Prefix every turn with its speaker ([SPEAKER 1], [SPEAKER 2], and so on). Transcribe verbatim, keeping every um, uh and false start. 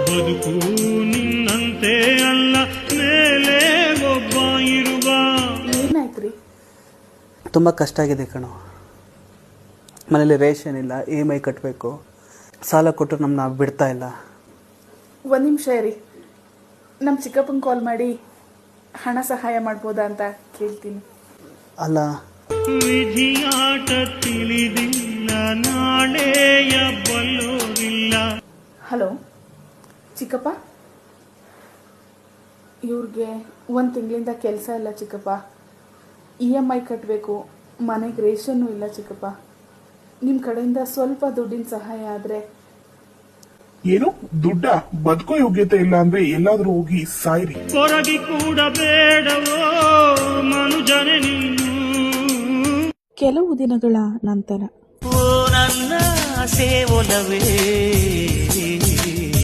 [SPEAKER 1] ಬದುಕು ನಿನ್ನಂತೆ ಅಲ್ಲ ಮೇಲೆ ಒಬ್ಬ ಇರುವ.
[SPEAKER 2] ಏನಾಯ್ತ್ರಿ?
[SPEAKER 3] ತುಂಬ ಕಷ್ಟ ಆಗಿದೆ ಕಣೋ. ಮನೇಲಿ ರೇಷನ್ ಇಲ್ಲ, ಇ ಎಮ್ ಐ ಕಟ್ಟಬೇಕು, ಸಾಲ ಕೊಟ್ಟು ನಮ್ಮನ್ನ ಬಿಡ್ತಾ ಇಲ್ಲ.
[SPEAKER 2] ಒಂದು ನಿಮಿಷ ಇರಿ, ನಮ್ಮ ಚಿಕ್ಕಪ್ಪಂಗೆ ಕಾಲ್ ಮಾಡಿ ಹಣ ಸಹಾಯ ಮಾಡ್ಬೋದಾ ಅಂತ ಕೇಳ್ತೀನಿ.
[SPEAKER 3] ಅಲ್ಲ,
[SPEAKER 1] ವಿಧಿಯಾಟ ತಿಳಿದಿಲ್ಲ, ನಾಳೆಯ ಬಲ್ಲೋರಿಲ್ಲ.
[SPEAKER 2] ಹಲೋ ಚಿಕ್ಕಪ್ಪ, ಇವ್ರಿಗೆ ಒಂದು ತಿಂಗಳಿಂದ ಕೆಲಸ ಇಲ್ಲ ಚಿಕ್ಕಪ್ಪ. ಇ ಎಮ್ ಐ ಕಟ್ಟಬೇಕು, ಮನೆಗೆ ರೇಷನ್ನು ಇಲ್ಲ ಚಿಕ್ಕಪ್ಪ. ನಿಮ್ಮ ಕಡೆಯಿಂದ ಸ್ವಲ್ಪ ದುಡ್ಡಿನ ಸಹಾಯ ಆದರೆ.
[SPEAKER 4] ಏನು ದುಡ್ಡ? ಬದುಕೋ ಯೋಗ್ಯತೆ ಇಲ್ಲ ಅಂದ್ರೆ ಎಲ್ಲಾದ್ರೂ ಹೋಗಿ ಸಾಯ್ರಿ.
[SPEAKER 1] ಕೊರಗಿ ಕೂಡ ಬೇಡವೋ ಮನುಜನೆ ನೀನು.
[SPEAKER 2] ಕೆಲವು ದಿನಗಳ ನಂತರ
[SPEAKER 1] ಓ ನನ್ನ ಸೇವನವೇ